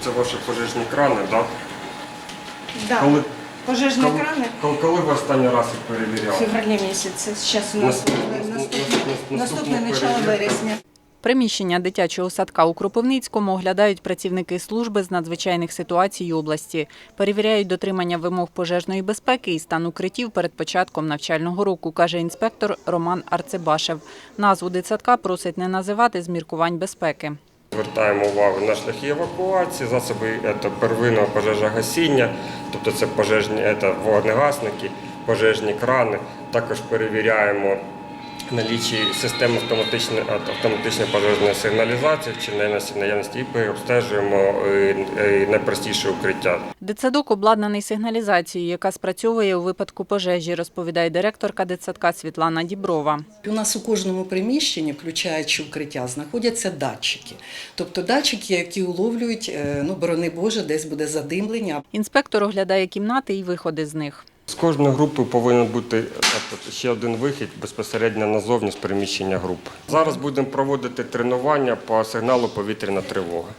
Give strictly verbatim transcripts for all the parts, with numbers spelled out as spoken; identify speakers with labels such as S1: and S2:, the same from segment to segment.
S1: Це ваші пожежні крани, так?
S2: Да.
S1: Коли,
S2: Пожежні
S1: коли,
S2: крани
S1: коли, коли ви останній раз їх
S2: в
S1: перевіряли?
S2: февралі місяці. Зараз у нас наступне, наступне начало вересня.
S3: Приміщення дитячого садка у Кропивницькому оглядають працівники служби з надзвичайних ситуацій області. Перевіряють дотримання вимог пожежної безпеки і стан укриттів перед початком навчального року, каже інспектор Роман Арцебашев. Назву дитсадка просить не називати з міркувань безпеки.
S1: Звертаємо увагу на шляхи евакуації, засоби це первинного пожежогасіння, тобто це пожежні це вогнегасники, пожежні крани. Також перевіряємо налічі системи автоматичної, автоматичної пожежної сигналізації, чи наявності, і обстежуємо найпростіше укриття.
S3: Дитсадок обладнаний сигналізацією, яка спрацьовує у випадку пожежі, розповідає директорка дитсадка Світлана Діброва.
S4: У нас у кожному приміщенні, включаючи укриття, знаходяться датчики. Тобто датчики, які уловлюють, ну, борони Боже, десь буде задимлення.
S3: Інспектор оглядає кімнати і виходи з них.
S1: З кожної групи повинен бути ще один вихід безпосередньо назовні з приміщення групи. Зараз будемо проводити тренування по сигналу повітряна тривога.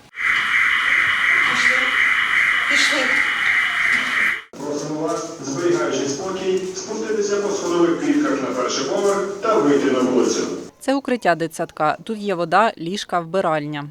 S2: Пішли.
S5: Просимо вас, зберігаючи спокій, спуститися по сходових клітках на перший поверх та вийти на вулицю.
S3: Це укриття дитсадка. Тут є вода, ліжка, вбиральня.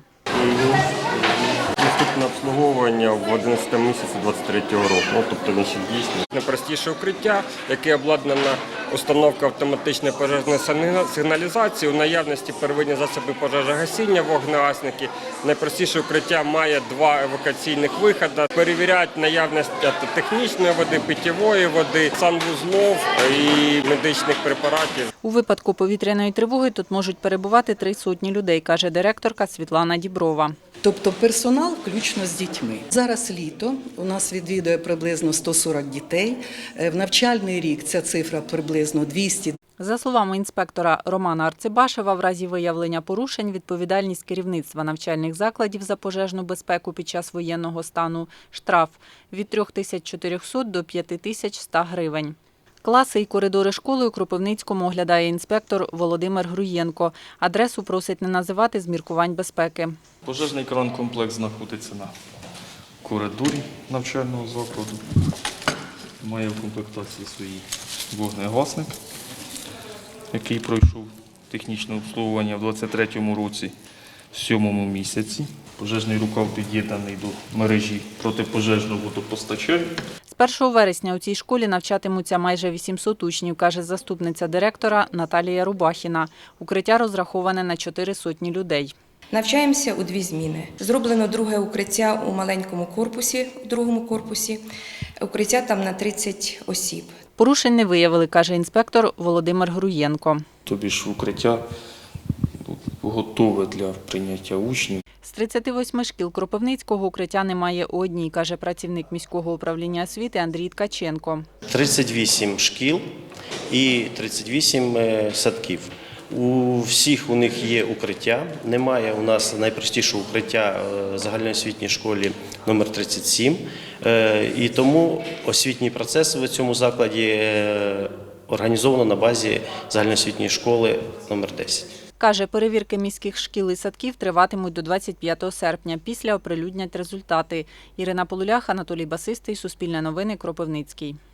S1: Наступне обслуговування в одинадцятому місяці двадцять третього року, ну, тобто він ще дійсний. Найпростіше укриття, яке обладнана установка автоматичної пожежної сигналізації, у наявності первинні засоби пожежогасіння, вогнегасники. Найпростіше укриття має два евакуаційних виходи. Перевіряють наявність технічної води, питьової води, санвузлов і медичних препаратів.
S3: У випадку повітряної тривоги тут можуть перебувати три сотні людей, каже директорка Світлана Діброва.
S4: Тобто персонал включно з дітьми. Зараз літо, у нас відвідує приблизно сто сорок дітей. В навчальний рік ця цифра приблизно двісті.
S3: За словами інспектора Романа Арцебашева, в разі виявлення порушень відповідальність керівництва навчальних закладів за пожежну безпеку під час воєнного стану – штраф від трьох тисяч чотирьохсот до п'яти тисяч ста гривень. Класи і коридори школи у Кропивницькому оглядає інспектор Володимир Груєнко. Адресу просить не називати з міркувань безпеки.
S6: Пожежний кран-комплекс знаходиться на коридорі навчального закладу. Має в комплектації свій вогнегасник, який пройшов технічне обслуговування в двадцять третьому році, в сьомому місяці. Пожежний рукав під'єднаний до мережі протипожежного водопостачання.
S3: З першого вересня у цій школі навчатимуться майже вісімсот учнів, каже заступниця директора Наталія Рубахіна. Укриття розраховане на чотири сотні людей.
S7: Навчаємося у дві зміни. Зроблено друге укриття у маленькому корпусі, у другому корпусі. Укриття там на тридцять осіб.
S3: Порушень не виявили, каже інспектор Володимир Груєнко.
S6: Тобі ж укриття готове для прийняття учнів.
S3: З тридцяти восьми шкіл Кропивницького укриття немає у одній, каже працівник міського управління освіти Андрій Ткаченко.
S8: тридцять вісім шкіл і тридцять вісім садків. У всіх у них є укриття. Немає у нас найпростішого укриття в загальноосвітній школі номер тридцять сім. І тому освітній процес в цьому закладі організовано на базі загальноосвітньої школи номер десять.
S3: Каже, перевірки міських шкіл і садків триватимуть до двадцять п'ятого серпня. Після оприлюднять результати. Ірина Полулях, Анатолій Басистий, Суспільне новини, Кропивницький.